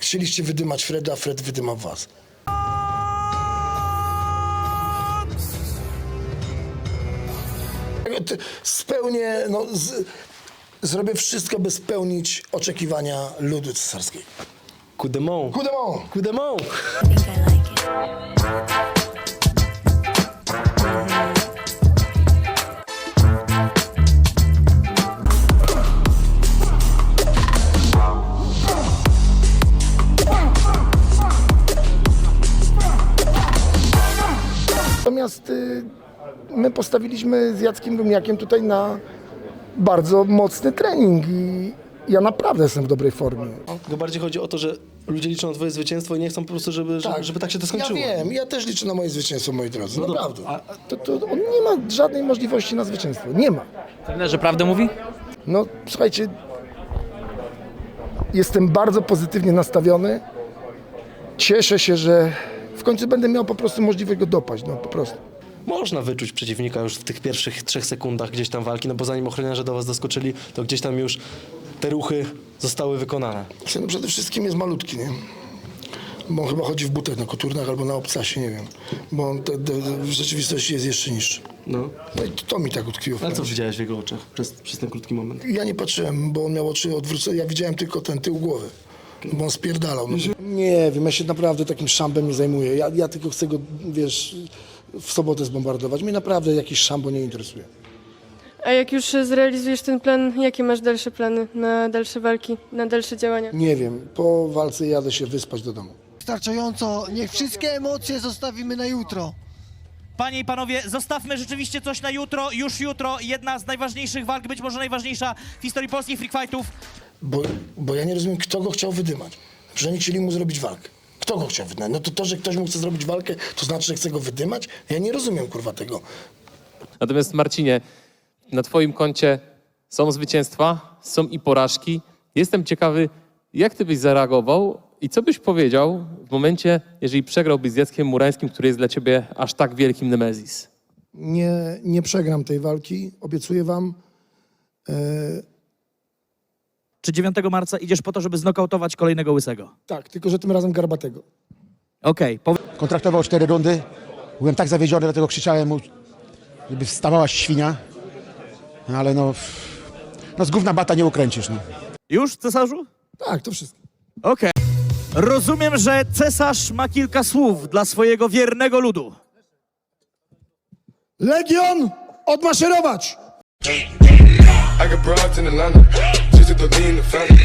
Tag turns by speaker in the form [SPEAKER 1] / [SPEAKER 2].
[SPEAKER 1] Chcieliście wydymać Freda, a Fred wydymał was. Spełnię, no, zrobię wszystko, by spełnić oczekiwania ludu cesarskiego.
[SPEAKER 2] Coup de main.
[SPEAKER 1] Coup de main.
[SPEAKER 2] Coup de main.
[SPEAKER 3] I think I like it.
[SPEAKER 1] Natomiast my postawiliśmy z Jackiem Rumniakiem tutaj na bardzo mocny trening i ja naprawdę jestem w dobrej formie.
[SPEAKER 2] Tylko bardziej chodzi o to, że ludzie liczą na twoje zwycięstwo i nie chcą po prostu, żeby tak się to skończyło.
[SPEAKER 1] Ja wiem, ja też liczę na moje zwycięstwo, moi drodzy,
[SPEAKER 2] No dobra,
[SPEAKER 1] naprawdę. To on nie ma żadnej możliwości na zwycięstwo, nie ma.
[SPEAKER 4] Trenerze, prawdę mówi?
[SPEAKER 1] No słuchajcie, jestem bardzo pozytywnie nastawiony. Cieszę się, że w końcu będę miał po prostu możliwość go dopaść, no po prostu.
[SPEAKER 2] Można wyczuć przeciwnika już w tych pierwszych 3 sekundach gdzieś tam walki, no bo zanim ochroniarze do was doskoczyli, to gdzieś tam już te ruchy zostały wykonane.
[SPEAKER 1] No przede wszystkim jest malutki, nie? Bo on chyba chodzi w butach na koturnach albo na obcasie, nie wiem. Bo on w rzeczywistości jest jeszcze niższy.
[SPEAKER 2] No.
[SPEAKER 1] No i to mi tak utkwiło w
[SPEAKER 2] Ale co
[SPEAKER 1] pamięci.
[SPEAKER 2] widziałeś w jego oczach przez ten krótki moment?
[SPEAKER 1] Ja nie patrzyłem, bo on miał oczy odwrócone. Ja widziałem tylko ten tył głowy. Bo on spierdalał. No. Nie wiem, ja się naprawdę takim szambem nie zajmuję. Ja tylko chcę go, wiesz, w sobotę zbombardować. Mnie naprawdę jakiś szambo nie interesuje.
[SPEAKER 5] A jak już zrealizujesz ten plan, jakie masz dalsze plany na dalsze walki, na dalsze działania?
[SPEAKER 1] Nie wiem, po walce jadę się wyspać do domu.
[SPEAKER 6] Wystarczająco, niech wszystkie emocje zostawimy na jutro.
[SPEAKER 7] Panie i panowie, zostawmy rzeczywiście coś na jutro, już jutro. Jedna z najważniejszych walk, być może najważniejsza w historii polskich freak fightów.
[SPEAKER 1] Bo ja nie rozumiem, kto go chciał wydymać. Że oni chcieli mu zrobić walkę. Kto go chciał wydymać? No to, że ktoś mu chce zrobić walkę, to znaczy, że chce go wydymać? Ja nie rozumiem, kurwa, tego.
[SPEAKER 4] Natomiast Marcinie, na twoim koncie są zwycięstwa, są i porażki. Jestem ciekawy, jak ty byś zareagował i co byś powiedział w momencie, jeżeli przegrałbyś z Jackiem Murańskim, który jest dla ciebie aż tak wielkim Nemezis?
[SPEAKER 1] Nie przegram tej walki, obiecuję wam.
[SPEAKER 7] Czy 9 marca idziesz po to, żeby znokautować kolejnego łysego?
[SPEAKER 1] Tak, tylko że tym razem garbatego.
[SPEAKER 7] Okej.
[SPEAKER 8] Kontraktował 4 rundy. Byłem tak zawiedziony, dlatego krzyczałem mu, żeby wstawała świnia. Ale no z gówna bata nie ukręcisz. No.
[SPEAKER 7] Już, cesarzu?
[SPEAKER 1] Tak, to wszystko.
[SPEAKER 7] Okej. Rozumiem, że cesarz ma kilka słów dla swojego wiernego ludu.
[SPEAKER 1] Legion, odmaszerować!
[SPEAKER 9] I got broads in Atlanta, just to lean the family.